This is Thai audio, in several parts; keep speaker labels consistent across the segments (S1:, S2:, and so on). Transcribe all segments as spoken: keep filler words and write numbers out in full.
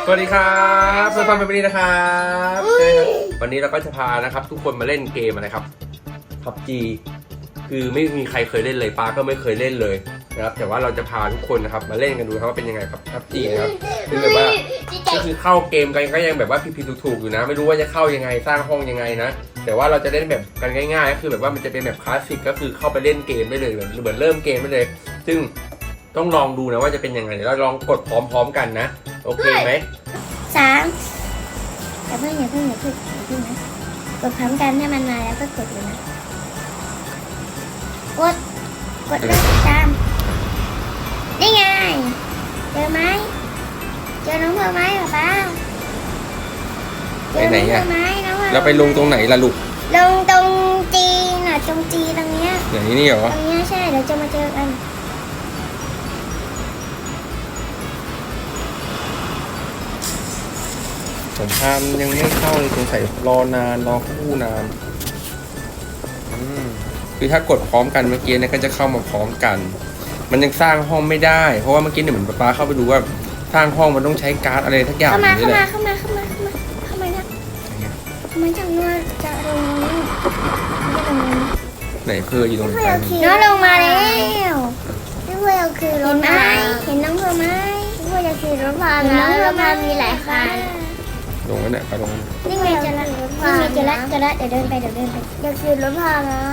S1: สวัสดีครับเพื่อนฟังเป็นวันนี้นะครับวันนี้เราก็จะพานะครับทุกคนมาเล่นเกมอะไรครับ พับจี คือไม่มีใครเคยเล่นเลยป้าก็ไม่เคยเล่นเลยนะครับแต่ว่าเราจะพาทุกคนนะครับมาเล่นกันดูครับว่าเป็นยังไงครับ พับจี นะครับคือแบบว่าก็คือเข้าเกมกันก็ยังแบบว่าผิดๆถูกๆอยู่นะไม่รู้ว่าจะเข้ายังไงสร้างห้องยังไงนะแต่ว่าเราจะเล่นแบบกันง่ายๆก็คือแบบว่ามันจะเป็นแบบคลาสสิกก็คือเข้าไปเล่นเกมได้เลยเหมือนเหมือนเริ่มเกมได้เลยซึ่งต้องลองดูนะว่าจะเป็นยังไงเดี๋ยวเราลองกดพร้อมๆกันนะโอเคไหม
S2: สามอย่าเพิ่งอย่าเพิ่งอย่าเพิ่งอย่าเพิ่งนะกดพร้อมกันให้มันมาแล้วก็กดเลยนะกดกดเลยตามนี่ไงเจอไหมเจอน้องเธอไหมป๊าป๊าเจอน้องเธอไหมน้องเรา
S1: ไปลงตรงไหนล่ะลูก
S2: ลงตรงจีน่ะตรงจีตรงเนี้ย
S1: อย่างนี้นี่เหรอ
S2: ตรงเนี้ยใช่เดี๋ยวจะมาเจอกัน
S1: ผมพามยังไม่เข้าเลยสงสัยรอนานรอคู่นานคือถ้ากดพร้อมกันเมื่อกี้เนี่ยก็จะเข้ามาพร้อมกันมันยังสร้างห้องไม่ได้เพราะว่าเมื่อกี้เนี่ยเหมือนป๊าเข้าไปดูว่าสร้างห้องมันต้องใช้การ์ดอะไรทักอย่าง
S2: นี่
S1: แห
S2: ละเข้ามาเข้ามาเข้ามาเข้ามาเข้ามานะเข้ามาจังว่าจะลง
S1: ไหนเพื่ออยู่ตรงไหน
S2: น้องลงมาแล้วนี่เพื่อคือรถไหมเห็นน้องเพื่อไหมเพื่อจะขี่รถพานะรถพามีหลายคัน
S1: ลงแล้วเนี่ยไปลง
S2: นี่ไงจะละนี่ไงจะละจะละเดี๋ยวเดินไปเดี๋ยวเดินไปอยากขี่รถพานะ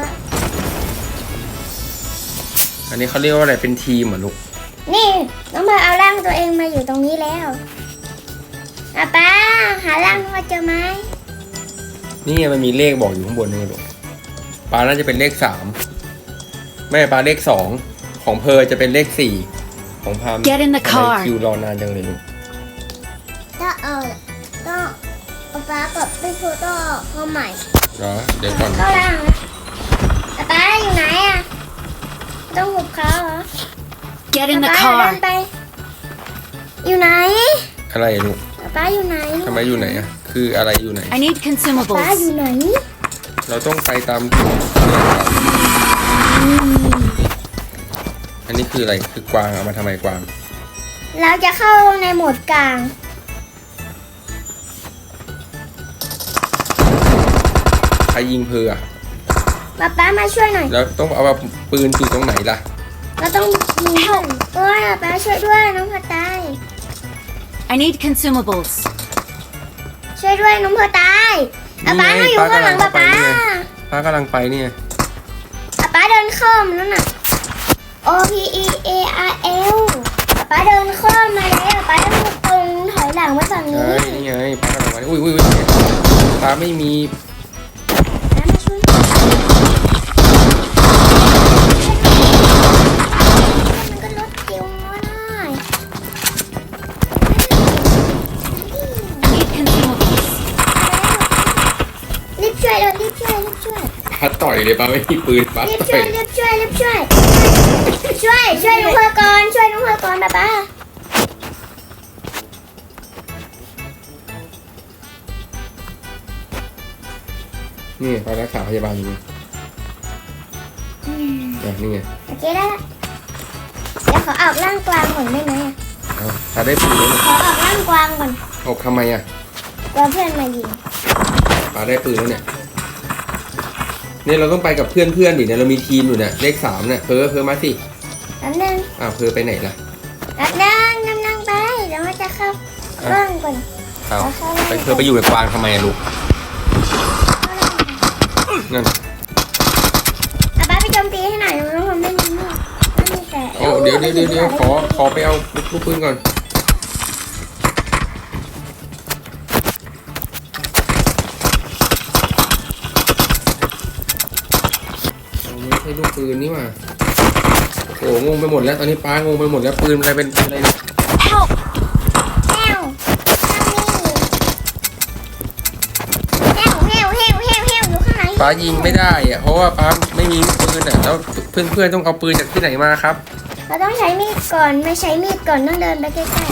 S1: อันนี้เขาเรียกว่าอะไรเป็นทีมเหรอลูก
S2: นี่น้องพาเอาร่างตัวเองมาอยู่ตรงนี้แล้วป้าป้าหาร่างมาเจอไหม
S1: นี่มันมีเลขบอกอยู่ข้างบนนี่ลูกปลาน่าจะเป็นเลขสามแม่ปลาเลขสองของเพอจะเป็นเลขสี่ของพามทำไมคิวรอนานจังเลยลูก
S2: ก็เออก็ป้ากับพี่ครูต้องเข้าใหม่
S1: เหรอเดี๋ยวก่อน
S2: เข้าล่างนะป้าอยู่ไหนอ่ะต้องหุบเขาเหรอ
S3: Get in the car
S2: ไปอยู่ไหน
S1: อะไรลูก
S2: ป้าอยู่ไหน
S1: ทำไมอยู่ไหนอ่ะคืออะไรอยู่ไหน
S3: I need consumables
S2: ป้าอยู่ไหน
S1: เราต้องไปตามอันนี้คืออะไรคือกวางเอามาทำไมกวาง
S2: เราจะเข้าในโหมดกลาง
S1: ใครยิงเพออ่ะ
S2: ป้าป้ามาช่วยหน่อย
S1: แล้วต้องเอาปืนอยู่ตรงไหนล่ะ
S2: เราต้องยิงเพื่อนโอ้ยป้าช่วยด้วยน้องพอตาย
S3: I need consumables
S2: ช่วยด้วยน้องพอตายป้าป้าอยู่ข้างหลังป้าป้า
S1: ป้ากำลังไปนี่
S2: ป้าป้าเดินข้ามแล้วน่ะ O P E A R L ป้าป้าเดินข้ามมาแล้วป้าต้องตรงถอยหลังมาฝั่งนี้
S1: นี่ไงป้ากำลังมาอุ้ยอุ้ยป้าไม่มี
S2: ป้ามาช่วยมันก็ลดเกี่ยวมาได้
S3: I need consumables
S2: รีบช่วยเลยรีบช่วยรีบช่วย
S1: ป้าต่อยเลยป้าไม่มีปืนป้า
S2: รีบช่วยรีบช่วยรีบช่วยช่วยช่วยน้องเพอก่อนช่วยน้องเพอก่อนป้าป้า
S1: นี่ป้ารักษาพยาบาลอยู่นี่ไง
S2: โอเคได้ละเดี๋ยวขอออกร่างกวางก่อนได้ไหม
S1: อ่ะป้าได้ปืนแล้ว
S2: ขอออกร่างกวางก่อน
S1: ออกทำไมอ่ะ
S2: กลัวเพื่อนมายิง
S1: ป้าได้ปืนแล้วเนี่ยเนี่ยเราต้องไปกับเพื่อนเพื่อนดิเนี่ยเรามีทีมอยู่เนี่ยเลขสามเนี่ยเพอเพอมาสิ
S2: แป๊บนึง
S1: อ้าวเพอไปไหนล่ะ
S2: แป๊บนึงนั่งนั่งไปเดี๋ยวมันจะเข้าร่างก่อน
S1: เอาไปเพอไปอยู่กับกวางทำไมลูกนั่น
S2: ป้าป้าไปโจมตีให้หน่อยน้องผมไม่มีมีดไม่มีแต่
S1: โอ้เดี๋ยวเดี๋ยวเดี๋ยวขอขอไปเอาลูกปืนก่อนไม่ใช่ลูกปืนนี่หว่าโอ้งงไปหมดแล้วตอนนี้ป้างงไปหมดแล้วปืนอะไรเป็นอะไรเนี่ยป้ายิงไม่ได้อะเพราะว่าป้าไม่มีปืนอ่ะแล้วเพื่อนๆต้องเอาปืนจากที่ไหนมาครับ
S2: เราต้องใช้มีดก่อนไม่ใช้มีดก่อนต้องเดินไปใกล้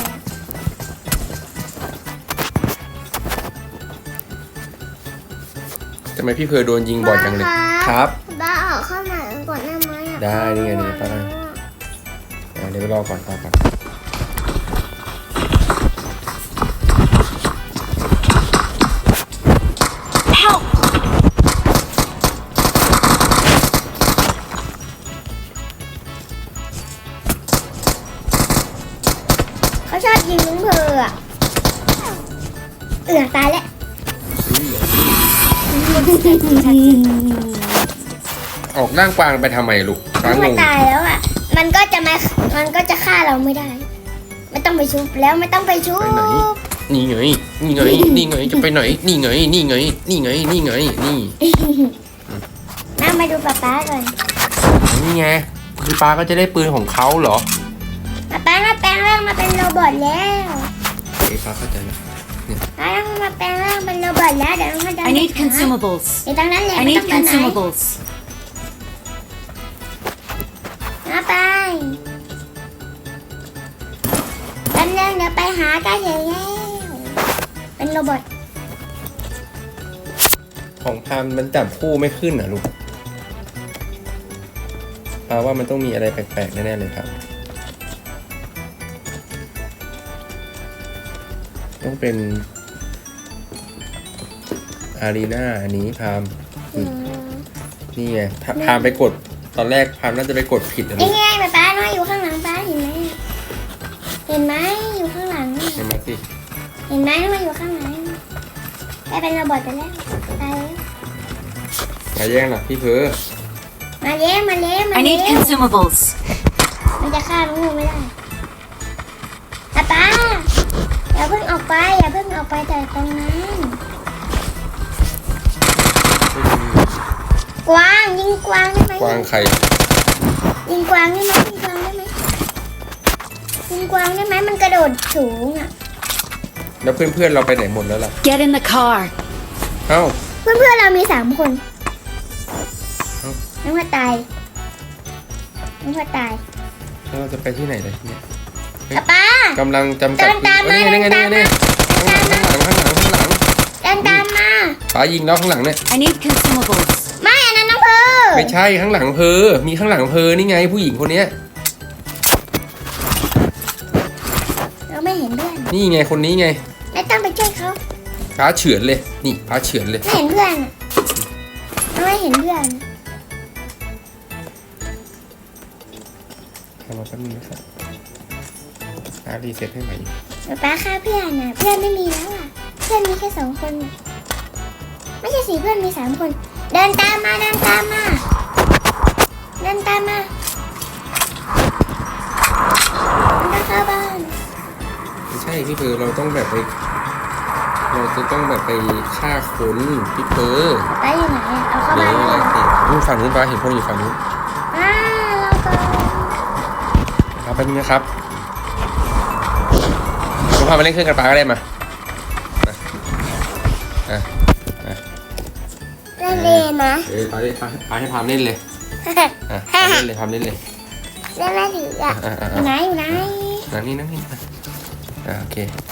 S1: ๆทำไมพี่เพอโดนยิงบ่อยจังเลยครับ
S2: ป้าออกเข้ามาก่อนได้ไหม
S1: ได้นี่ไงนี่ป้าได้เดี๋ยวไปรอก่อนป้าก่อน
S2: ชอบยิงน้องเพออะเอือตายแล้ว
S1: ออกร่างกวางไปทำไมลูกกวางง
S2: มัน
S1: ง
S2: ตายแล้วอ่ะ มันก็จะมา มันก็จะฆ่าเราไม่ได้ ไม่ต้องไปชุบแล้วไม่ต้องไปชุบ
S1: ไปไหนนี่ไงนี่ไงนี่ไงจะไปไหนนี่ไงนี่ไงนี่ไงนี่ไงนี่
S2: นั่งมาดูป๊าป๊าก่อน
S1: นี่ไงคือปลาก็จะได้ปืนของเขาเหรอ
S2: ป๊าป๊ามาแปลงร่างมาเป็นโรบอทแล้ว
S1: เอ้ปลาเข้าใจแล้ว
S2: ป๊ามาแปลงร่างเป็นโรบอทแล้วเดี๋ยวเราจะ
S3: I need consumables.
S2: เดี๋ยวตรงนั้นแหละ
S3: I
S2: ไม่
S3: need
S2: ต้องไปไหน
S3: consumables.
S2: มาไปแป๊บนึงเดี๋ยวไปหาใกล้ถึงแล้วเป็นโรบอท
S1: ของพามมันจับคู่ไม่ขึ้นอ่ะลูกปลาว่ามันต้องมีอะไรแปลกๆแน่ๆเลยครับต้องเป็นอารีนาอันนี้พามนี่ไงถ้าพามไปกดตอนแรกพามน่าจะไปกดผิดนะลู
S2: นี่
S1: ก
S2: ไงป๊าป๊าน้อยอยู่ข้างหลังป๊าเห็นไหมเห็นไหมอยู่ข้างหลัง
S1: เห็นไหมสิ
S2: เห็นไหมมาอยู่ข้างหลังได้เป็นโรบอทไปแล้วตายแล้ว
S1: อย่าแย่งนะพี่เพอ
S2: มาเลี้ยงมาเลี้ยงมา
S3: I
S2: เลี้
S3: need
S2: ยง
S3: consumables.
S2: มันจะฆ่าลูกไม่ได้ป๊าป๊าอย่าเพิ่งออกไปอย่าเพิ่งออกไปจากตรงนั้นกวางยิงกวางได้ไหม
S1: กวางไข่
S2: ยิงกวางได้ไหมยิงกวางได้ไหมยิงกวางได้ไหมมันกระโดดสูงอ่ะ
S1: แล้วเพื่อนๆเราไปไหนหมดแล้วล่ะ
S3: Get in the car.
S1: เอ้า
S2: เพื่อนเพื่อนๆเรามีสามคน
S1: เอ้า
S2: น้องว่าตายน้องว่าตาย
S1: แล้วเราจะไปที่ไหนเลยเนี่ย
S2: ป๊าป๊าก
S1: ำลังจำกัด
S2: เดินตามมา
S1: เอ้ยนี่ไงนี่ไงนี่ไงข้างหลังข้างหลังข้างหลังข้างหลัง
S2: เดินตามมา
S1: ป๋ายิงแล้วข้างหลังเนี่ย
S3: I need consumables.
S2: ไม่อันนั้นน้องเพอ
S1: ไม่ใช่ข้างหลังเพอมีข้างหลังเพอนี่ไงผู้หญิงคนเนี้ย
S2: เราไม่เห็นเพื่อน
S1: นี่ไงคนนี้ไง
S2: ไม่ต้องไปช่วยเขา
S1: พาเฉือนเลยนี่พาเฉือนเลย
S2: ไม่เห็นเพื่อนอะเราไม่เห็นเพื่อน
S1: ทำมาแป๊บนึงนะครับพารีเซ็ตให้ใหม่
S2: ป๊าป๊าฆ่าเพื่อนน่ะเพื่อนไม่มีแล้วอ่ะเพื่อนมีแค่สองคนน่ะไม่ใช่สี่เพื่อนมีสามคน เดินตามมาเดินตามมาเดินตามมามันจะเข้าบ้าน
S1: ไม่ใช่พี่เพอเราต้องแบบไป เราจะต้องแบบไปฆ่าคนพี่เพอ
S2: ไปอยู่ไหนอะเอาเข้า
S1: เดี๋
S2: บ้าย น
S1: ว
S2: แล้ว
S1: นู่นฝั่งนู้นป้าเห็นคนอยู่ฝั่งนู้น
S2: อ่าเราก็
S1: ครับแป๊บนึงนะครับผมพามาเล่นเครื่องกันปลาก็ได้มามาอ่ะ
S2: เล่นเลยนะ
S1: เอ้ยปลาได้ปลาปลาให้พามเล่นเลยอ่ะพามเล่นเลยพามเล่นเลย
S2: เล่นไม่ถืออ่ะ
S1: อ่ะอ่ะ
S2: อ
S1: อ่ะ
S2: ยู่ไหนอยู่ไหน
S1: นั่งนี่นั่งนี่อ่ะอ่ะโอเค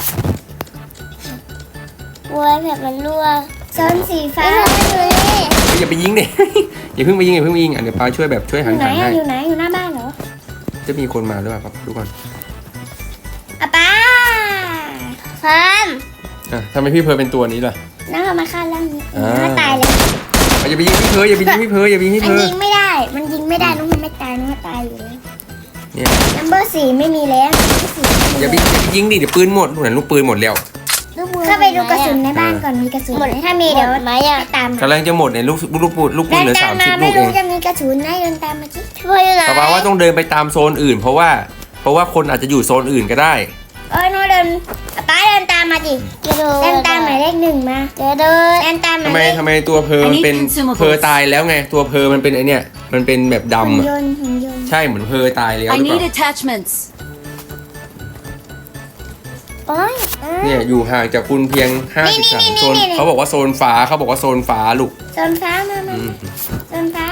S2: วัวแบบมันรั่วโซนสีฟ้าอยู่นี่
S1: เฮ้ยอย่าไปยิงดิ อย่าเพิ่งไปยิงอย่าเพิ่งไปยิงอ่ะเดี๋ยวปลาช่วยแบบช่วย
S2: อ
S1: หัน
S2: ยู่ไหน
S1: หัน
S2: อะ
S1: ให้
S2: อยู่ไหนอยู่หน้าบ้านเหรอ
S1: จะมีคนมาหรือเปล่าครับดูก่อน
S2: อะป้าฟาร์ม
S1: อ่ะทำไมพี่เพอเป็นตัวนี้ล่ะ
S2: น้องเอามาฆ่าร่างนี้
S1: อ่า
S2: น้องตายเลย
S1: อ่ะอย่าไปยิงพี่เพออย่าไปยิงพี่เพออย่าไปยิงพี่
S2: มั
S1: เพ
S2: น
S1: อ
S2: ยิงไม่ได้ มันยิงไม่ได้น้องมันไม่ตายน้องมันตายอยู่แล้ว
S1: เนี่ย
S2: นัมเบอร์สี่ไม่มีแล้วสี่ไม่มี
S1: อย่าไปอย่าไปยิงดิเดี๋ยวปืนหมดหนูเห็นลูกปืนหมดแล้ว
S2: เข้าไปดูกระสุนในบ้านก่อนมีกระสุนไหมถ้ามีเดี๋ยวไม่ตาม
S1: กำลังจะหมดเนี่ยลูกลูกปืนลูกปื
S2: เดิ
S1: น
S2: น
S1: เหลือ
S2: ตา
S1: สาม ม
S2: มา
S1: สิบลู
S2: ไม่
S1: กเอ
S2: รู้
S1: ง
S2: จะมีกระสุนไหมเดินตามมาจิช่วยอยู่ไหน
S1: แต่ว่าว่าต้องเดินไปตามโซนอื่น เพราะว่าเพราะว่าคนอาจจะอยู่โซนอื่นก็ได้
S2: เอ้ยน้องเดินป้าเดินตามมาดิเดินตามหมายเลขหนึ่งมาเดินเดินเดินตามห
S1: ทำ
S2: มาย
S1: ไม
S2: เลข
S1: ทำไมตัวเพอมันเป็น
S3: I need consumables
S1: เพอตายแล้วไงตัวเพอมันเป็นไอเนี่ยมันเป็นแบบ
S2: หุ่น
S1: ดำอะ
S2: ยนต์หุ่นยนต์
S1: ใช่เหมือนเพอตายแล้วห
S3: I
S1: รือเป
S3: need
S1: ล่า
S3: attachments.
S2: โอ้ยเออ
S1: เนี่ยอยู่ห่างจากคุณเพียงห้า
S2: นี่
S1: สิบ
S2: นี่
S1: สาม
S2: นี่
S1: โซน
S2: นี่นี่
S1: เขาบอกว่าโซนฟ้าเขาบอกว่าโซนฟ้าลูก
S2: โซนฟ้ามามา
S1: อืม
S2: โซนฟ้า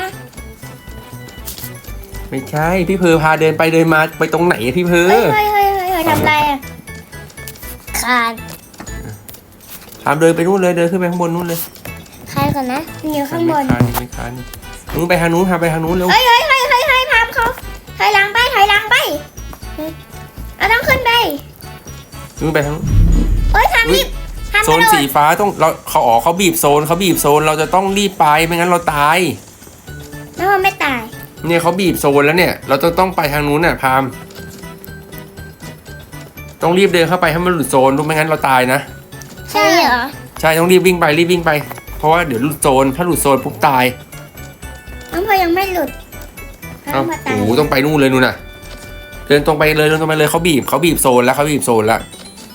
S1: ไม่ใช่พี่เพอพาเดินไปเดินมาไปตรงไหนอะพี่เพอ
S2: เฮ้ยเฮ้ยเฮ้ยเฮ้ยเฮ้ยทำไรอ่ะขาด
S1: พามเดินไปนู่นเลยเดินขึ้นไปข้างบนนู่นเลย
S2: ใครก่อนนะมันอยู่ข้างบน
S1: ไม่คานไม่คานนู้นไปทางนู้นพาไปทางนู้นเร็ว
S2: เฮ้ยเฮ้ยเฮ้ยเฮ้ยเฮ้ยพามเขาถอยหลังไปถอยหลังไปเราต้องขึ้นไป
S1: นู้นไปทางนู้น
S2: เฮ้ยพามรีบพาม
S1: โซ
S2: กระ
S1: น
S2: โด
S1: สี
S2: ด
S1: ฟ้าต้องเราเขาอ๋อเขาบีบโซนเขาบีบโซนเราจะต้องรีบไปไม่งั้นเราตาย
S2: แล้วมันไม่ตาย
S1: เนี่ยเขาบีบโซนแล้วเนี่ย เราจะต้องไปทางนู้นน่ะพามต้องรีบเดินเข้าไปให้มันหลุดโซนรู้ไม่งั้นเราตายนะ
S2: ใช่เหรอ
S1: ใช่ต้องรีบวิ่งไปรีบวิ่งไป เพราะว่าเดี๋ยวหลุดโซนถ้าหลุดโซนปุ๊บตาย
S2: น้องพลอยยังไม่หลุด
S1: เอ้า
S2: มาตาย
S1: โอ้โหต้องไปนู่นเลยนู่นน่ะ เดินตรงไปเลยเดินตรงไปเลยเขาบีบเขาบีบโซนแล้วเขาบีบโซนแล้ว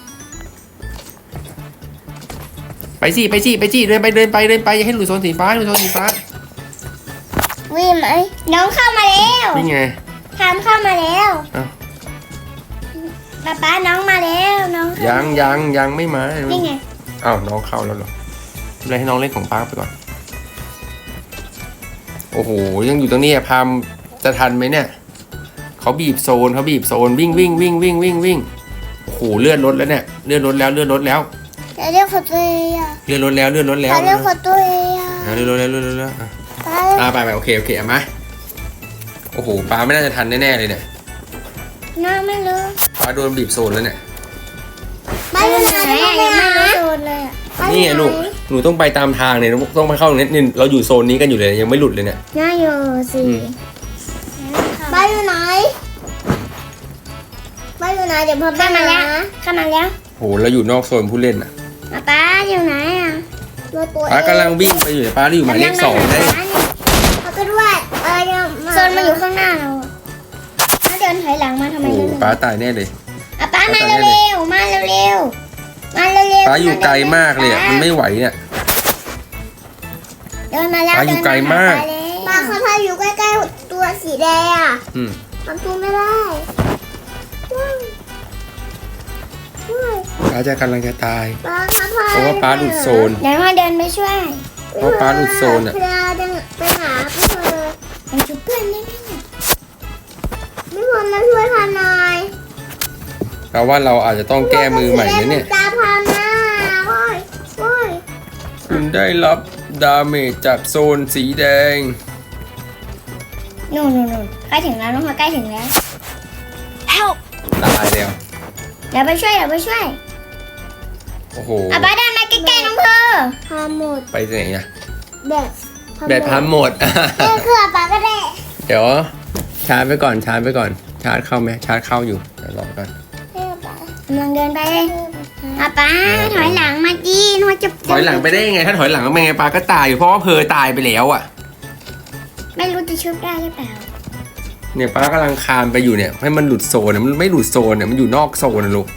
S1: ไปสิไปสิไปสิเดินไปเดินไปเดินไปอย่าให้หลุดโซนสีฟ้าหลุดโซนสีฟ้า
S2: วิ่งไหมน้องเข้ามาแล้ว
S1: นี่ไง
S2: ทำเข้ามาแล้ว
S1: เอ้า
S2: ป๊าป๊าน้องมาแล้วน้องเข้า
S1: ยังยังยังไม่มา
S2: นี่ไง
S1: อ้าวน้องเข้าแล้วเหรอเลยให้น้องเล่นของป้าไปก่อนโอ้โหยังอยู่ตรงนี้อะพามจะทันไหมเนี่ยเขาบีบโซนเขาบีบโซนวิ่งวิ่งวิ่งวิ่งวิ่งวิ่งโอ้โหเลื่อนรถแล้วเนี่ยเลื่อนรถแล้วเลื่อนรถแล้ว
S2: จะเรียกขอตัวเองอ่ะ
S1: เลื่อนรถแล้วเลื่อนรถแล้ว
S2: จะเรียกขอตัวเองอ่ะ
S1: อ่ะเลื่อนรถแล้วเลื่อนรถแล้วอ่ะ
S2: ป๊า
S1: อ่าไปไปโอเคโอเคเอามาโอ้โหป้าไม่น่าจะทันแน่ๆเลยเนี่ย
S2: น้องไม่รู้
S1: ป้าโดนบีบโซนแล้วเนี่ย
S2: ไม่รู้ไหนอ่ะยังไม่รู้โซนเลยอ่ะ
S1: นี่ไงลูกหนูต้องไปตามทางเนี่ยต้องไปเข้าตรงนี้นี่เราอยู่โซนนี้กันอยู่เลยยังไม่หลุดเลยเนี่ย
S2: น่าอยู่สิบ้านอยู่ไหนบ้านอยู่ไหนเดี๋ยวพ่อเข้ามาแล้วเข้ามาแล้ว
S1: โอ้โหเราอยู่นอกโซนผู้เล่นอ่ะ
S2: ป๊าป๊าอยู่ไหนอ่ะตัวตัว
S1: ป้ากำลังวิ่งไปอยู่เนี่ยป้าอยู่หมายเลขสองได้
S2: เขาก็ด้วยเออโซนมาอยู่ข้างหน้าเราถ้าเดินถอยหลังมาทำไม
S1: โอ้โห
S2: เดิน
S1: ป้าตายแน่เลย
S2: อ่ะป้ามาเร็วๆมาเร็วๆมาเร็วๆ
S1: ป้าอยู่ไกลมากเลยอ่ะมันไม่ไหวเนี่ย
S2: เดินมาแล้ว
S1: ป้าอยู่ไกลมาก
S2: ป้าเขาพาอยู่ใกล้ๆตัวสีแดงอ่ะ
S1: อืม
S2: มันพูดไม่ได้
S1: ป้าจะกำลังจะตาย
S2: ป้าเขาพา
S1: เพราะว่าป้าหลุดโซน
S2: เดี๋ยวมาเดินไปช่วย
S1: เพราะป้าหลุดโซนอ่ะ
S2: เพื่อเดินไปหาเพื่อนไปช่วยเพื่อนได้ไหมไม่ควรมาช่วยพาหน่อย
S1: แปลว่าเราอาจจะต้องแก้มือใหม่นะเนี่ย
S2: ตาพามาโอ้ยโอ้ย
S1: คุณได้รับดาเมจจากโซนสีแดง
S2: นู่นนู่นนู่นใกล้ถึงแล้วน้องพลอยใกล้ถึงแล้ว
S3: Help!
S1: ตายแล้ว
S2: เดี๋ยวไปช่วยเดี๋ยวไปช่วย
S1: โอ้โห
S2: อ่ะป้าเดินมาใกล้ๆน้องเพอพาหมด
S1: ไปไหนอ่ะ
S2: แบบ
S1: แบตพัมหมด
S2: เออคือป้าก็ได้
S1: เดี๋ยวชาร์จไปก่อนชาร์จไปก่อนชาร์จเข้าไหมชาร์จเข้าอยู่เดี๋ยวรอก่อน
S2: กำลังเดินไปเลยอ่ะป้าถอยหลังมาดีน้องจะ
S1: ถอยหลังไปได้ยังไงถ้าถอยหลังก็ไม่ไงปลาก็ตายอยู่เพราะว่าเพอตายไปแล้วอ่ะ
S2: ไม่รู้จะชุบได้หรือเปล่า
S1: เนี่ยป้ากำลังคานไปอยู่เนี่ยให้มันหลุดโซนเนี่ยมันไม่หลุดโซนเนี่ยมันอยู่นอกโซนนะลูก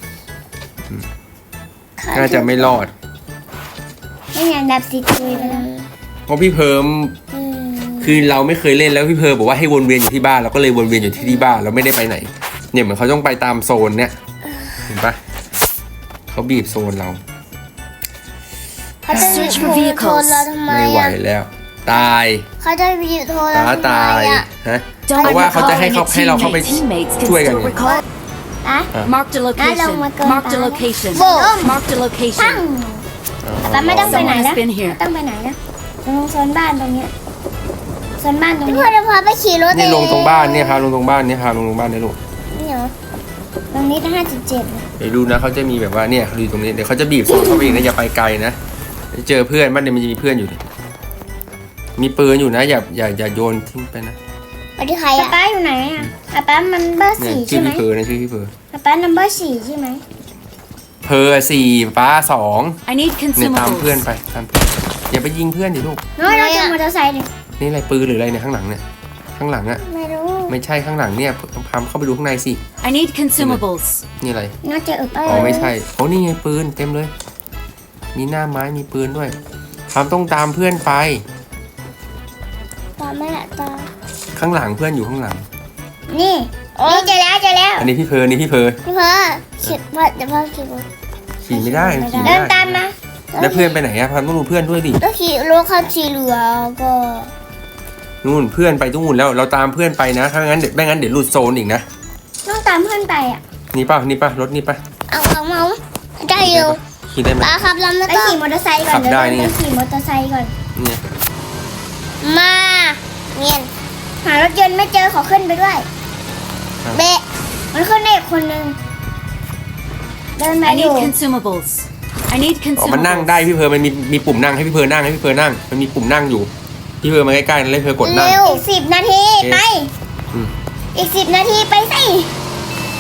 S1: น่าจะไม่รอด
S2: ไม่งั้นแบบสิตุยไปแล้ว
S1: เพราะพี่เพิ่มคือเราไม่เคยเล่นแล้วพี่เพิ่มบอกว่าให้วนเวียนอยู่ที่บ้านเราก็เลยวนเวียนอยู่ที่ที่บ้านเราไม่ได้ไปไหน เนี่ยเหมือนเขาต้องไปตามโซนเนี่ยเห็นปะเขาบีบโซนเรา
S2: เขาจะบีบโทรเราทำไม
S1: ไม่ไหว
S2: อ่ะ
S1: แล้ว ตาย
S2: เขาจะบีบโทรเรา
S1: ป้า
S2: ทำ
S1: ตาย
S2: ไมอ่ะ
S1: ฮะ
S3: Don't
S1: เพราะว่าเขาจะ
S3: recall
S1: ให้
S3: and
S1: เขา
S3: your
S1: ให้เราเข้าไป
S3: teammates, teammates can
S1: ช่วยกัน
S3: still
S1: ไง
S3: recall.
S2: อ่ะ
S3: Marked a location.
S2: Hello, my
S3: Marked a
S2: God.
S3: location.
S2: Boom.
S3: Marked a
S2: ปั้ง
S3: location.
S2: ป้าไม่ต้องไปไหน
S3: Someone
S2: นะ
S3: has been here.
S2: ต้องไปไหนนะตรงโซนบ้านตรงเนี้ยโซนบ้านตรงนี้พ่อจะพาไปขี่รถ
S1: นี่ลงตรงบ้านเนี่ยพาลงตรงบ้านเนี่ยพาลงตรงบ้านเนี่ยลูก
S2: นี่เหรอตรงนี้ห้าจุดเจ็ด
S1: เดี๋ยวดูนะเขาจะมีแบบว่าเนี่ยเขาอยู่ตรงนี้เดี๋ยวเขาจะบีบโซนเข้าไปอีกนะอย่าไปไกลนะเจอเพื่อนบ้านเนี่ยมันจะมีเพื่อนอยู่ดิมีปืนอยู่นะอย่าอย่าอย่าโยนทิ้งไปนะ
S2: ไปที่ใครอ่ะป้าอยู่ไหนอ่ะป้ามันเบอร์
S1: เนี่ย
S2: สี่
S1: ชื่
S2: ใช่
S1: อ
S2: ไหม
S1: พี่เพอนะชื่อพี่เพอ
S2: ป้านัมเบอร์สี่ใช่ไหม
S1: เพอสี่ป้าสอง
S3: I need
S1: เนี่ยตามเพื่อน
S3: consumables.
S1: ไปตามเพื่อนอย่าไปยิงเพื่อนดิลูก
S2: น้อยเราจะมอเตอร์ไซค์ดิ
S1: นี่อะไรปืนหรืออะไรเนี่ยข้างหลังเนี่ยข้างหลังอะ
S2: ไม่รู้
S1: ไม่ใช่ข้างหลังเนี่ยพามเข้าไปดูข้างในสิ
S3: I need consumables.
S1: นี่อะไร
S2: น่าจะอึบ
S1: อ๋อไม่ใช่โอ้นี่ไงปืนเต็มเลย มีหน้าไม้มีปืนด้วยพามต้องตามเพื่อนไป
S2: ตาแม่ตา
S1: ข้างหลังเพื่อนอยู่ข้างหลัง
S2: นี่นี่เจอแล้วเจอแล้ว
S1: อันนี้พี่เพออันนี้พี่เพอ
S2: พี่พ่อขี่พ่อเดี๋ยวพ่อขี่รถ
S1: ขี่ไม่ได้ขี่ไม่
S2: เดิน
S1: ได้
S2: ตามมา
S1: แล้วเพื่อนไปไหนอะพามต้องดูเพื่อนด้วยดิ
S2: ต้องขี่รถเข้าขี่เรือก็
S1: นู่นเพื่อนไปตรงนู่นแล้วเราตามเพื่อนไปนะถ้างั้นเดี๋ยวไม่งั้นเดี๋ยวหลุดโซนอีกนะ
S2: ต้องตามเพื่อนไปอ่ะ
S1: นี่ป่ะนี่ป่ะรถนี่ป่ะ
S2: เอาเอาเอาได้เร็ว
S1: ขี่ได้ไหม
S2: ป้าครับเราไม่ต้องขี่มอเตอร์ไซค์ก่อน
S1: ขับได้นี่
S2: เดี๋ยว
S1: ไง
S2: เราขี่มอเตอร์ไซค์ก่อน
S1: เนี่ย
S2: มาเงียนหารถยนต์ไม่เจอขอขึ้นไปด้วยเบะมันขึ้นได้อีกคนนึงเดินมา
S3: I
S2: อยู่
S3: need consumables. I need
S1: อ๋อมันนั่งได้
S3: consumables.
S1: พี่เพอมันมีมีปุ่มนั่งให้พี่เพอนั่งให้พี่เพอนั่งมันมีปุ่มนั่งอยู่พี่เพอมาใกล้ๆแล้วพี่เพอกดนั่ง
S2: เร็วอีกสิบนาที
S1: โอเค
S2: ไป
S1: อืม
S2: อีกสิบนาทีไปสิ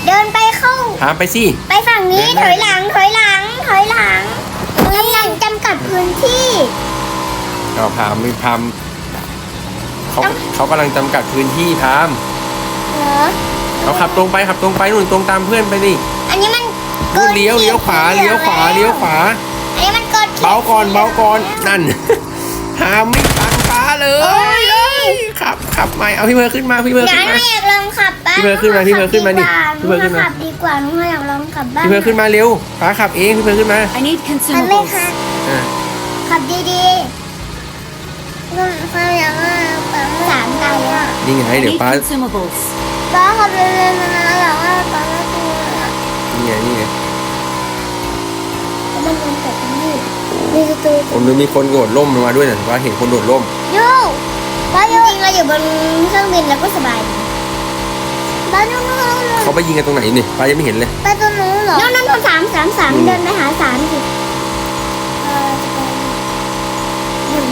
S2: เดินไปเข้า
S1: พามไปสิ
S2: ไปฝั่งนี้
S1: เดินหน้า
S2: ถอยหลังถอยหลังถอยหลังกำลังจำกัดพื้นที่
S1: เอาพามไม่พามเขา
S2: ต้อง
S1: เขากำลังจำกัดพื้นที่พาม
S2: เหรอ
S1: เอาขับตรงไปขับตรงไปนู่นตรงตามเพื่อนไปดิ
S2: อันนี้มัน
S1: นู่นเลี้ยวเลี้ยวขวาเลี้ยวขวาเลี้ยวขวา
S2: อันนี้มันเกิด
S1: เบาก่อนเบาก่อนนั่น พามไม่ฟังฟ้าเล
S2: โอ้
S1: ย
S2: ย
S1: ขับขับใหม่เอาพี่เพิร์ขึ้นมาพี่เพิร์
S2: งั้
S1: ขึ้
S2: น
S1: น
S2: หนู
S1: มา
S2: อยากลองขับบ้าง
S1: พี่เพิร์ขึ้นมาพี่เพิร์ขึ้นมาดิ
S2: ห
S1: พี่เพิร์ขึ้นมา
S2: ขับดีกว่าหนูอยากลองขับบ้าง
S1: พี่เพิร์ขึ้นมาเร็วฟ้าขับเองพี่เพิร์ขึ้นมา
S3: I need
S2: มันไม่
S3: consumables.
S2: ค่ะ
S1: อ่า
S2: ขับดีๆนุ่นเขาอยากว่าปั๊มสามไตอ่ะ
S1: นี่ไง
S3: I
S1: เดี๋ยว
S3: need
S1: ป้า
S3: consumables.
S2: ป้าขับเร็วๆนะอยากว่าปั๊มไม่ถูกอ่ะ
S1: นี่ไงนี่ไง
S2: มันมันเกิดตรงนี้มีสตู
S1: ผมดูมีคนโดดร่มลงมาด้วยนะว่าเห็นคนโดดร่ม
S2: ยูป้าจริงๆเราอยู่บนเครื่องบินแล้วก็สบายป้านู่นนู่นนู่น
S1: เขาไปยิงกันตรงไหนนี่ป้ายังไม่เห็นเลย
S2: ไปตรงนู้นเหรอนู่นนู่นนู่นสามสามสาม
S1: อืม
S2: เดินไปหาสามสิเออจะไปหนึ่ง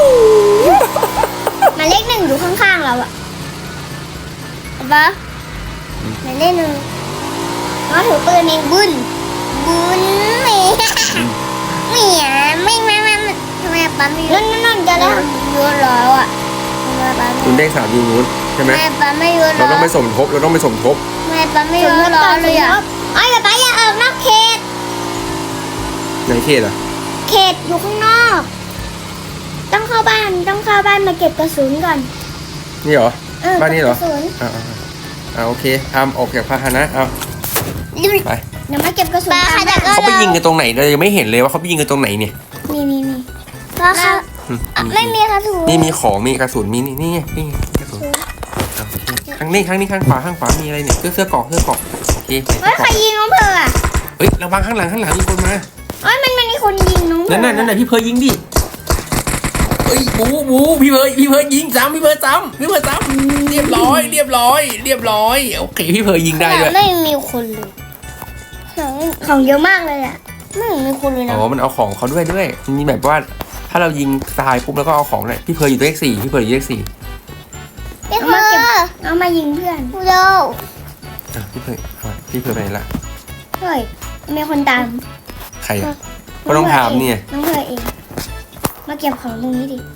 S2: หมายเลขหนึ่งอยู่ข้างๆเราอะเห็นปะหมายเลขหนึ่งก็ถือปืนเองบุญบุญเมียเมียไม่ไม่ไม่ไม่ทำไมปั๊มไม่ยุ่นนั่นนั่นจะได้ยุ่นแล้วอะทำไมปั๊ม
S1: คุณเลขสามอยู่นู้นใช่ไหม
S2: ทำไมปั๊มไม่ยุ่น
S1: เราต้องไปสมทบเราต้องไปสมทบ
S2: ทำไมปั๊มไม่ยุ่นล้อเลยอะไอ้ป๊าป๊าอย่าออกนอกเขต
S1: ในเขตอ่ะ
S2: เขตอยู่ข้างนอก ต้องเข้าบ้านต้องเข้าบ้านมาเก็บกระสุนก่อน
S1: นี่เหรอ
S2: เออ
S1: บ้านนี้เหรอ
S2: กระสุน
S1: อ่าอ่าอ่าโอเคทำออกจากพาหนะเอาไป
S2: เดี๋ยวมาเก็บกระสุนตามบ้าน
S1: เขาไปยิงกันตรงไหนเรายังไม่เห็นเลยว่าเขาไปยิงกันตรงไหนเนี่ย
S2: นี่นี่นี่เพราะเขา
S1: อืม
S2: ไม่มีกระสุน
S1: นี่มีของมีกระสุนมีนี่นี่ไงนี่ไงกระสุนเอาโอเคข้างนี้ข้างนี้ข้างขวาข้างขวามีอะไรเนี่ยเสื้อเสื้อเกราะเสื้อเกราะโอเคใส่
S2: เฮ้
S1: เสื้
S2: ย
S1: อ
S2: ใคร
S1: เกราะ
S2: ยิงน้องเพออ่ะ
S1: เฮ้ยระวังข้างหลังข้างหลังมีคนมา
S2: เฮ้ยมันมันมีคนยิงน้องเพอ
S1: นั่นน่ะนั่นน่ะพี่เพร์ลยิงดิเอ้ยบูบูพี่เพร์ลพี่เพร์ลยิงซ้ำพี่เพร์ลซ้ำพี่เพร์ลซ้ำเรียบร้อยเรียบร้อยเรียบร้อยโอเคพี่เพร์ลยิงได้ด้วย
S2: ไม่มีคนเลยของเยอะมากเลยอ่ะไม่มีคนเลยนะ
S1: อ๋อมันเอาของเขาด้วยด้วยมันมีแบบว่าถ้าเรายิงตายปุ๊บแล้วก็เอาของเลยพี่เพร์ลอยู่เลขสี่พี่เพร์ลอยู่เลขสี่
S2: เอามาเก็บเอามายิงเพื่อนเร็ว
S1: อ่ะพี่เพร์ลเอาพี่เพร์ลไปไหนละ
S2: เฮ้ยมีคนตาม
S1: ใครอ่ะก็ต้องถามเนี่ย
S2: น้องเพอเองมาเก็บของตรงนี้ดิ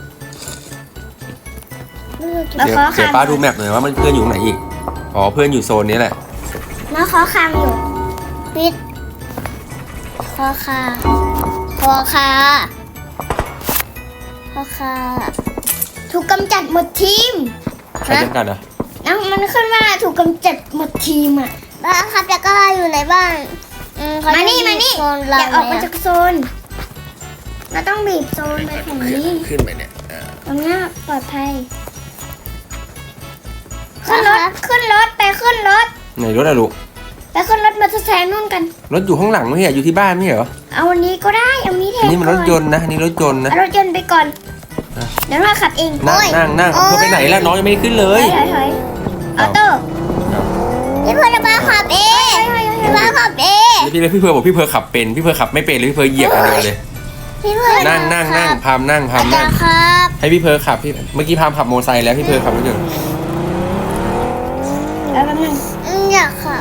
S2: มา
S1: เดี๋ยว
S2: ขอ
S1: เดี๋ยว
S2: คาง
S1: ป้าดูแมปหน่อยว่ามันเพื่อนอยู่ตรงไหนอีกอ๋อเพื่อนอยู่โซนนี้แหละ
S2: มาขอคางอยู่ปิดขอคาขอคาขอคาถูกกำจัดหมดทีม
S1: ใครจำกัดอ่ะ
S2: น้องมันขึ้นว่าถูกกำจัดหมดทีมอ่ะบ้าครับแล้วก็อยู่ในบ้านมานี่มานี่อย่าออกมาจากโซนเราต้องบีบโซนไปฝั่งนี้
S1: ขึ้นไปเนี่ยอ่า
S2: ตรงนี้ปลอดภัยขึ้นรถขึ้นรถไปขึ้นรถ
S1: ไหนรถอะลูก
S2: ไปขึ้นรถมาทดแทนนู่นกัน
S1: รถอยู่ข้างหลังไม่ใช่เหรออยู่ที่บ้านไม่ใช่เหรอ
S2: เอาวันนี้ก็ได้เอานี้แท
S1: อัน
S2: น
S1: นี้มันรถยนต์นะอันนี้รถยนต์นะ
S2: เอารถยนต์ไปก่อน
S1: อ่ะ
S2: เดี๋ยวเราขับเอง
S1: นั่งนั่งนั่งเพื่อไปไหนล่ะน้องยังไม่ได้ขึ้นเล
S2: ถอย ยถอยถอยออโต้พี่เพื่อนมาขับเองพี่มาขับเอง
S1: แล้วพี่เลยพี่เพร์ลบอกพี่เพร์ลขับเป็นพี่เพร์ลขับไม่เป็นเลยพี่เพร์ลเหยียบอะไรเลย
S2: พี่เพื่อน
S1: นั่งนั่งนั่งพามนั่งพามนั่ง
S2: ครับ
S1: ให้พี่เพร์ลขับพี่เมื่อกี้พามขับโมอเตอร์ไซค์แล้วพี่เพร์ลขับรถยนต์
S2: แล้วแป๊บนึงอยากขับ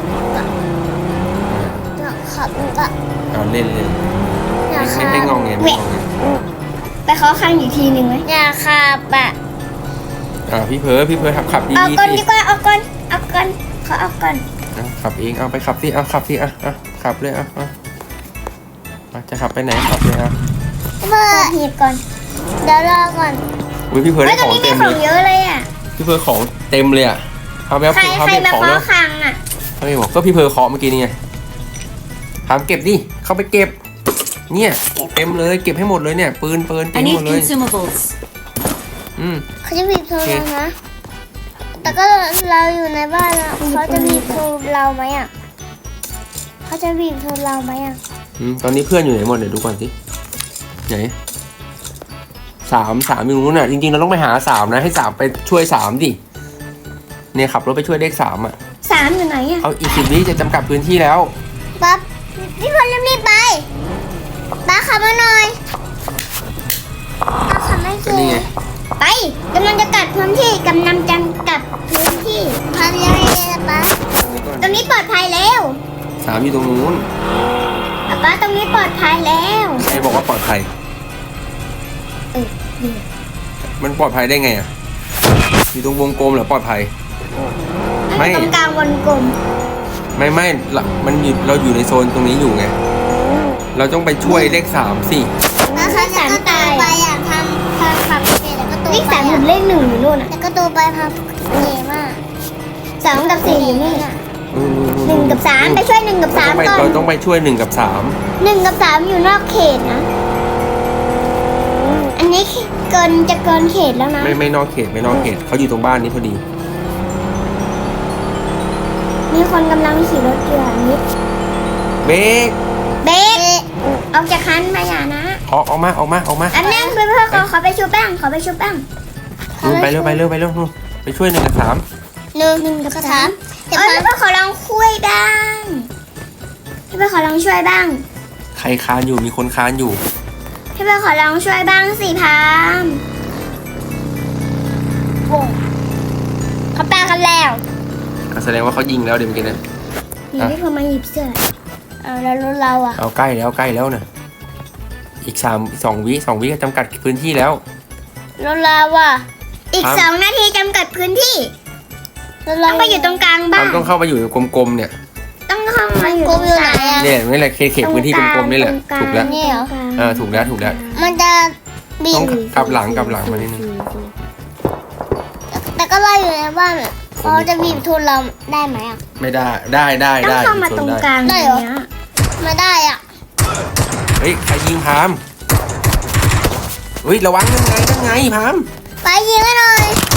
S2: อยากขับก็
S1: เอาเล่นเล่น
S2: อยาก
S1: ไม่
S2: ขับ
S1: ไม่งองเงไม่งองเง
S2: ไปขอคันอีกทีหนึ่งไหมอยากขับอ่ะ
S1: อ่าพี่เพร์ลพี่เพร์ลขับขับดี
S2: เอา
S1: ดี
S2: ก่อน
S1: สิ
S2: ดีกว่าเอาก่อนเอาก่อนขอเอาก่อน
S1: เอาขับเองเอาไปขับสิเอาขับสิอ่ะอ่ะขับเลยอ่ะอ่ะอ่ะจะขับไปไหนขับเลยอ่ะ
S2: เบอร์หีบก่อนเดี๋ยวรอก่อน
S1: อุ้ยพี่เพร์ล
S2: เฮ้
S1: ได้
S2: ยตร
S1: ของ ง
S2: นี้มี
S1: เต็ม
S2: ข
S1: เล
S2: อง
S1: ย
S2: เยอะเลยอ่ะ
S1: พี่เพร์ลของเต็มเลยอ่ะพามไปเอา
S2: ใคร
S1: พาม
S2: ใคร
S1: ไป
S2: มา
S1: ของ
S2: ขอ
S1: แล้ว
S2: คังอ่ะ
S1: เขาไม่บอกก็พี่เพร์ลเคาะเมื่อกี้นี่ไงพามเก็บดิเข้าไปเก็บ เนี่ยเต็มเลยเก็บให้หมดเลยเนี่ยปืนปืนเต็
S3: I
S1: มหม
S3: need
S1: ดเลย
S3: consumables.
S1: อืม
S2: เขาจะบีบโทรเรานะแต่ก็เราอยู่ในบ้านอ่ะเขาจะบีบโทรเราไหมอ่ะเขาจะบีบโทรเราไหมอ่ะ
S1: อืมตอนนี้เพื่อนอยู่ไหนหมดเดี๋ยวดูก่อนสิไหนสามสามอยู่นู้นน่ะจริงๆเราต้องไปหาสามนะให้สามไปช่วยสามดิเนี่ยขับรถไปช่วยเลขสามอ่ะ
S2: สามอยู่ไหนอ่ะ
S1: เอาอีกสิบวิจะจำกัดพื้นที่แล้ว
S2: ปั๊บพี่พลรีบๆไปป้าขับมาหน่อยป้าขับไม่
S1: ก็
S2: เก่
S1: นี่
S2: ง
S1: ไง
S2: ไปกำลังจะกัดพื้นที่กำลังจะกัดพื้นที่ทำยังไงล่ะป้า
S1: นี่ก่อน
S2: กำนี้ปลอดภัยแล้ว
S1: สามอยู่ตรงนู้น
S2: ป๊าป๊าตรงนี้ปลอดภัยแล้ว
S1: ใครบอกว่าปลอดภัย
S2: เออนี่
S1: มันปลอดภัยได้ไงอ่ะอยู่ตรงวงกลมเหรอปลอดภัย ไม่
S2: ตรงกลางวงกลม
S1: ไม่ไม่ละมันอยู่เราอยู่ในโซนตรงนี้อยู่ไง เราต้องไปช่วยเลขสามสิ
S2: แล้วเขาสามตายไปอยากทำทำขับเแล้วก็ตัวเลขสามกับเลขหนึ่งอยู่นู่นอ่ะแล้วก็ตัวไปพับเย่มากสองกับสี่อยู่นี่หนึ่งกับสามไปช่วยหนึ่งกับสามก่อน
S1: เราต้องไปช่วยหนึ่งกับสาม
S2: หนึ่งกับสามอยู่นอกเขตนะ อันนี้เกินจะเกินเขตแล้วนะ
S1: ไม่ไม่นอกเขตไม่นอกเขตเขาอยู่ตรงบ้านนี้พอดี
S2: มีคนกำลังขี่รถอยู่อันนี้
S1: เบรก
S2: เบรกออกจากคันมาอย่านะ
S1: ออกออกมาออกมาออกมา
S2: อันนั้นเพื่อนเพื่อนขอขอไปชูแป้งขอไปชูแป้ง
S1: นู่นไปเร็วไปเร็วไปเร็วนู่นไปช่วยหนึ่งกับสาม
S2: หนึ่งหนึ่งกับสามเออเพื่อนขอลองคุยบ้างเพื่อนขอลองช่วยบ้าง
S1: ใครค้านอยู่มีคนค้านอยู่
S2: เพื่อนขอลองช่วยบ้างสิพามโอ้เขาแปลกันแล้ว
S1: อ่ะแสดงว่าเขายิงแล้วเดี๋ยวเมื่อกี้นะ
S2: นี่พี่พอมาหยิบเสื้อเอาแล้วรถเราอ่ะ
S1: เอาใกล้แล้วใกล้แล้วนะอีกสามสองวิสองวิก็จำกัดพื้นที่แล้ว
S2: รถเราอ่ะอีก
S1: ครับ
S2: สองนาทีจำกัดพื้นที่ต้องไปอยู่ตรงกลางบ้า
S1: เรา
S2: ง
S1: ต้องเข้าไปอยู่ในกลมๆเนี่ย
S2: ต้องเข้ามาอยู่ตรงกลาง
S1: เนี่ยนี่แหละเขตเขตพื้นที่กลมๆนี่แหละถูกแล้ว
S2: นี่เหรอ
S1: เออถูกแล้วถูกแล้ว
S2: มันจะบี
S1: ต้อง
S2: บ
S1: กลับหลังกลับหลังมานิดนึง
S2: แต่ก็ไล่อยู่ในบ้านเขาจะบีบทุนเราได้ไหมอ่ะ
S1: ไม่ได้ได้ได้
S2: ต้อง
S1: ได้
S2: เข้ามาตรงกลางได้เหรอไม่ได้อ่ะ
S1: เฮ้ยใครยิงพามเฮ้ยระวังนั่นไงนั่นไงพาม
S2: ไปยิงให้หน่อย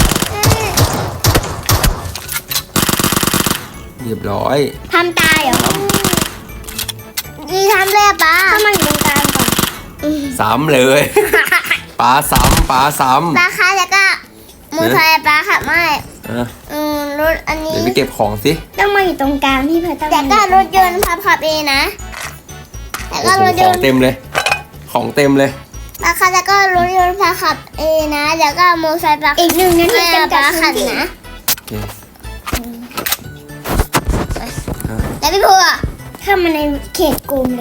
S1: เรียบร้อย
S2: ทำตายเหรอยีทำเลยป้าเข้ามาอยู่ตรงกลางก่อน
S1: ซ้ำเลยปลาซ้ำปลาซ้ำ
S2: ป้าคะแล้วก็มือไทยป้าขับไม่
S1: เออ
S2: อืมรถอันนี้
S1: เดี๋ยวไปเก็บของสิ
S2: ต้องมาอยู่ตรงกลางที่เพื่อต้องแต่ก็รถยนต์พับขับเองนะแต่
S1: โอ้
S2: ก็
S1: โห
S2: รถ
S1: ข
S2: ย
S1: อง
S2: นต์
S1: เต็มเลย ของเต็มเลย
S2: ป้าคะแล้วก็รถยนต์พับขับเองนะแล้วก็มอเตอร์ไซค์ป้าอีกหนึ่งนาทีจำกัดขันนะ
S1: โอเค
S2: แล้วพี่พัวเข้ามาในเขตกรุงเลย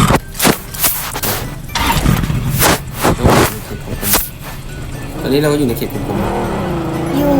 S1: ตอนนี้เราก็อยู่ในเขตกลม
S2: อยู่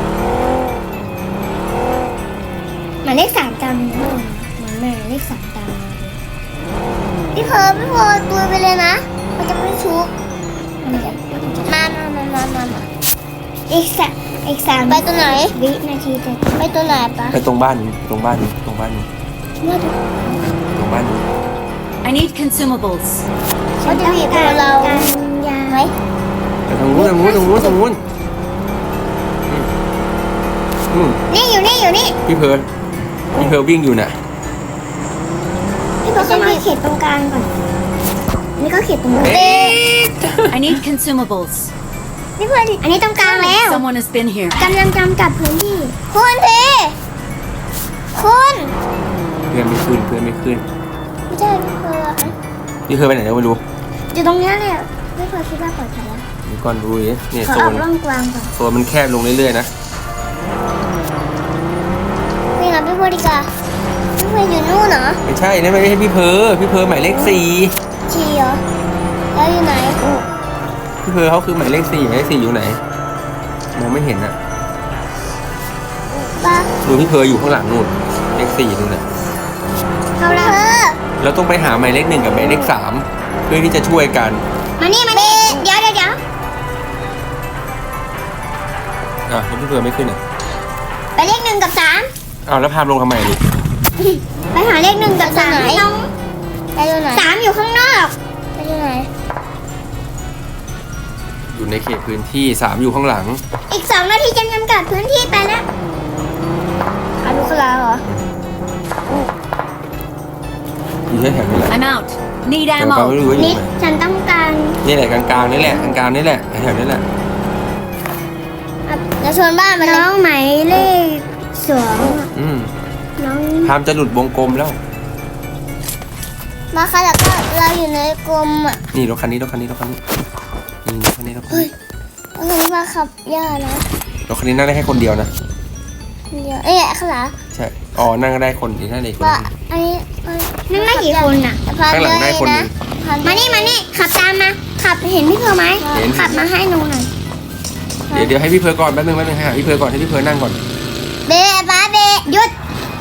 S2: หมายเลขสามตามมาหมายหมายเลขสามตามมาพี่เพอพี่เพอตัวไปเลยนะมันจะไม่ชุบมามามามามามาอีกสามอีกสามไปตัวไหนวินาทีจะไปตัวไหนปะ
S1: ๆไปตรงบ้านนี้ตรงบ้านนี้ตรงบ้านนี้
S2: เมื่อ
S1: ตรงบ้านนี้
S3: I need consumables.
S2: เขาจะบีบตัวเราไหม
S1: ไปทางนู้นทางนู้นทางนู้นทางนู้นอืมอืม
S2: นี่อยู่นี่อยู่นี่
S1: พี่เพิร์ลพี่เพิร์ลวิ่งอยู่น่ะ
S2: พี่เพอเข้ามาเขตตรงกลางก่อนนี่ก็เขตตรงกลาง
S3: I need consumables.
S2: พี่เพออันนี้ตรงกลางแล้ว
S3: Someone has been here.
S2: กำลังจำกัดพื้นที่คุณพีคุณ
S1: เพื่อนไม่ขึ้นเพื่อนไม่ขึ้น
S2: ไม่ใช่พี่เพอนะ
S1: พี่เพิร์ลไปไหนแล้วไม่รู้
S2: อยู่ตรงเนี้ยเลยพี่เพอคิดว่าปลอดภัยแล้ว
S1: เดี๋ยวก่อนดูดิเนี่ย
S2: ขอ
S1: โซ
S2: ออก
S1: น
S2: ร่องกลางก่อน
S1: โซนมันแคบลงเรื่อยๆนะ
S2: นี่นะพี่เพอดีกว่าพี่เพออยู่นู่นเหรอ
S1: ไม่ใช่นั่นไม่ใช่พี่เพิร์ลพี่เพิร์ลหมายเลขสี่
S2: ชีเหรอแล้วอยู่ไหน
S1: พี่เพิร์ลเขาคือหมายเลขสี่หมายเลขสี่อยู่ไหนมองไม่เห็นอะ
S2: ป้า
S1: ดูพี่เพิร์ลอยู่ข้างหลังนู่นเลขสี่นู่นน่ะ
S2: เขาละ
S1: เราต้องไปหาหมายเลขหนึ่งกับหมายเลขสามเพื่อที่จะช่วยกัน
S2: มานี่มานี่เดี๋ยวเดี๋ยวเดี๋ยว
S1: อ่ะแล้วพี่เพิร์ลไม่ขึ้นอ่ะ
S2: ไปเลขหนึ่งกับสาม
S1: อ้าวแล้วพามลงทำไมลูก
S2: ไปหาเลขหนึ่งกับสามน้องไปอยู่ไหนสามอยู่ข้างนอกไปอยู่ไหน
S1: อยู่ในเขตพื้นที่สามอยู่ข้างหลัง
S2: อีกสองนาทีจะจำกัดพื้นที่ไปแล้วอาลูกลาเหรอ
S1: อยู่แถวๆนี้แหละ
S3: I'm out. Need
S1: แต่ปาไม่
S3: ammo.
S1: รู้ว่าอยู่
S2: นิด
S1: ไหน
S2: ฉันต้องการ
S1: นี่แหละกลางๆนี่แหละกลางๆนี่แหละแถวๆนี้แหละ
S2: จะชวนบ้านมาน้องหมายเลขสอง
S1: อืม
S2: น้อง
S1: พามจะหลุดวงกลมแล้ว
S2: มาค่ะแล้วก็เราอยู่ในกรมอ่ะ
S1: นี่รถคันนี้รถคันนี้รถคันนี้นี่รถคันนี้รถคัน
S2: เฮ้ย
S1: นี้
S2: ก็คือมาขับย่านะ
S1: รถคันนี้นั่งได้แค่คนเดียวนะ
S2: เดี๋ยวเอ๊ะข้างหลัง
S1: ใช่อ๋อนั่งก็ได้คนอีกท่านเด็กคน
S2: ว่า
S1: นึง
S2: อันนี้นั่งได้กี่คนอ่ะ
S1: ข้างหลังได้คนหนึ่ง
S2: มานี่มานี่ขับตามมาขับเห็นพี่เพอไหม
S1: เห็น
S2: ขับมาให้หนูหน่อย
S1: เดี๋ยวเดี๋ยวให้พี่เพอก่อนแป๊บนึงแป๊บนึงให้หาพี่เพอก่อนให้พี่เพอนั่งก่อน
S2: เบะบ้าเบะหยุด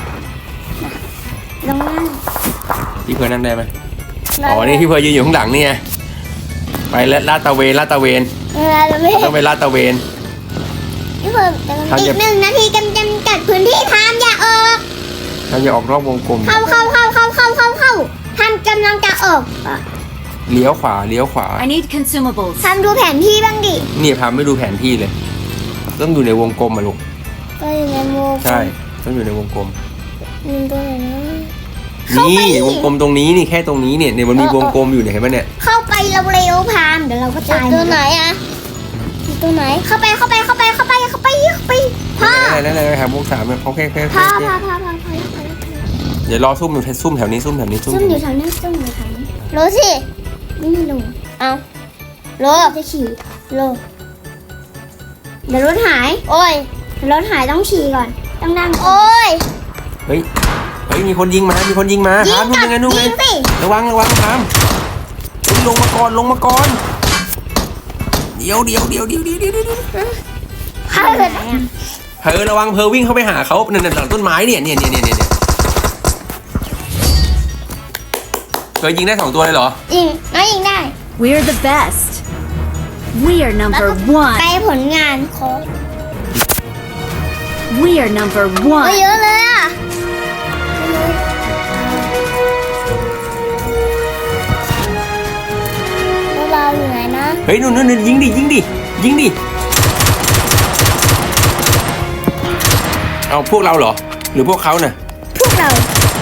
S2: ลงนั่ง
S1: พี่เพอนั่งได้ไหมอ๋อนี่พี่เพอยืนอยู่ข้างหลังนี่ไงไปแล้วลาดตระเวนลาดตระเวน
S2: เวลาเราไม่
S1: ต้องไปลาดตระเวน
S2: พี่เพอ
S1: ทำ
S2: อี
S1: อย่า
S2: กหนึ่งนาทีกำจำกัดพื้นที่ทำอย่าออก
S1: เราจะออกนอกวงกลม
S2: เข้าเข้าเข้าเข้าเข้าเข้าเข้าทำกำลังจะออก
S1: เลี้ยวขวาเลี้ยวขวา
S3: I need consumables.
S2: ทำดูแผนที่บ้างดิ
S1: นี่พาไม่ดูแผนที่เลย ต้องอยู่ในวงกลมอะลูก
S2: ก็อยู่ในโม
S1: ใช่ต้องอยู่ในวงกลม
S2: มันตัวไหนนะ เข้าไป
S1: นี่
S2: ดิ
S1: วงกลมตรงนี้นี่แค่ตรงนี้เนี่ยเนี่ยมันมีวงกลมอยู่เนี่ยเห็นไหมเนี่ย
S2: เข้าไปเร็วๆพามเดี๋ยวเราก็ตายตัวไหนอะตัวไหนเข้าไปเข้าไปเข้าไปเข้าไปเข้าไปเข้าไปพ่อ
S1: นั่นแหละนั่นแหละครับวงสามเนี่ยเขาแค่แค่
S2: พ่อ
S1: แค่
S2: พ่อพ่อพ่อพ่อพ่อ
S1: เดี๋ยวรอซุ่มอยู่ซุ่มแถวนี้ซุ่มแถวนี้ซุ่ม
S2: ซุ่ม
S1: แถว
S2: อยู่
S1: นี้
S2: แถวนี้ซุ่มอยู่แถวนี้โลสิไม่มีโลเอาโลจะขี่โลเดี๋ยวรถหาย โอ้ยรถหายต้องฉี่ก่อนต้องนั่งโอ้ย
S1: เฮ้ยเฮ้ยมีคนยิงมามีคนยิงมา
S2: ยิ
S1: ถาม
S2: ง
S1: นู่น
S2: กับ
S1: ยังไงนู่นไง
S2: ยิงสิ
S1: ระวังระวังถามเฮ้ยลงมาก่อนลงมาก่อนเดี๋ยวเดี๋ยวเดี๋ยวเดี๋ยวเดี๋ยวเดี๋ยวเดี๋ยว
S2: เข้าไปไหนอะ
S1: เพอระวังเพอวิ่งเข้าไปหาเขานั่นๆหลังต้นไม้เนี่ยเนี่ยเนี่ยเนี่ยเนี่ยเคยยิงได้สองตัวเลยเหรอ
S2: ยิงน้อยยิงได้
S3: We're the best. We are number
S2: ไป
S3: one.
S2: ผลงานโค้ด
S3: We are number
S2: โอ้ย
S3: one.
S2: เยอะเลยอ่ะแล้วเราอยู่ไหนนะ
S1: เฮ้ยนู่นนู่นนู่นยิงดิยิงดิยิงดิเอาพวกเราเหรอ หรือพวกเขาน่ะ
S2: พวกเรา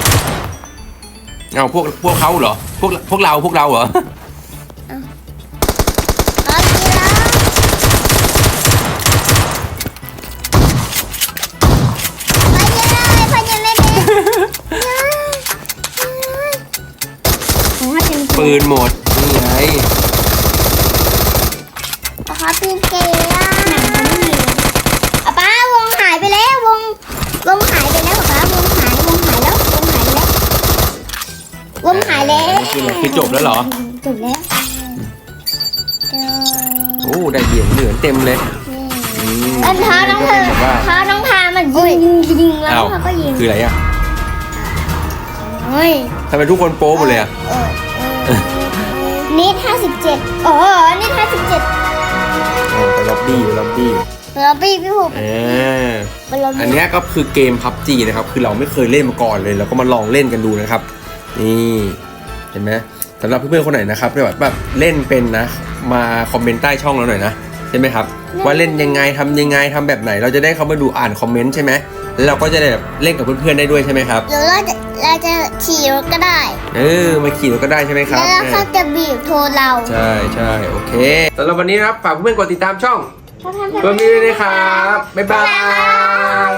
S1: เอาพวกพวกเขาเหรอพวกพวกเราพวกเราเหรอ
S2: เอาทีแล้วไปยังไงไปยังไม่เป็นผมว่าจะมี
S1: ปืนหมดนี่ไง
S2: ขอปีนเกย์อ่ะหนังมันไม่มีอ่ะป้าวงหายไปแล้ววงวงหายไปแล้วป้าวงหายวงหายแล้ววงหายไปแล้ววงหายแล้ว
S1: คือคือจบแล้วเหรอ
S2: จบแล้ว
S1: โอ้ได้เหรียญเหลือเต็มเลยอืม
S2: อันท้าน้องเธอ
S1: ก็เป็นแบบว่า
S2: ท้าน้องพามันยิงยิงยิงแล้ว
S1: อ้าว
S2: เขาก็ยิง
S1: คืออะไรอ่ะ
S2: เฮ้ย
S1: ทำไมทุกคนโป๊หมดเลยอ่ะ
S2: เออเออนิดห้าสิบเจ็ดโอ้โหนิดห้าสิบเจ็ด
S1: อ๋อไปล็อบบี้ไปล็อบบี้
S2: เราพี่พี่ผม
S1: อ่า
S2: เป็นเรา
S1: อันเนี้ยก็คือเกม พับจี นะครับ คือเราไม่เคยเล่นมาก่อนเลยเราก็มาลองเล่นกันดูนะครับ นี่เห็นไหมสำหรับเพื่อนๆคนไหนนะครับที่แบบแบบเล่นเป็นนะ มาคอมเมนต์ใต้ช่องเราหน่อยนะใช่ไหมครับ ว่าเล่นยังไงทำยังไงทำแบบไหน เราจะได้เข้ามาดูอ่านคอมเมนต์ใช่ไหมแล้วเราก็จะได้แบบเล่นกับเพื่อนๆได้ด้วยใช่ไหมครับ
S2: หรือเราจะเราจะขี่รถก็ได้
S1: เออมาขี่รถก็ได้ใช่ไหมค
S2: แล้
S1: รับ
S2: วเขาจะบีบโทรเรา
S1: ใช่ใช่โอเคสำหรับวันนี้นะครับฝากเพื่อนๆกดติดตามช่อง
S2: ถ้าทำ
S1: เพื่อนๆด้วยนะครับบ๊ายบาย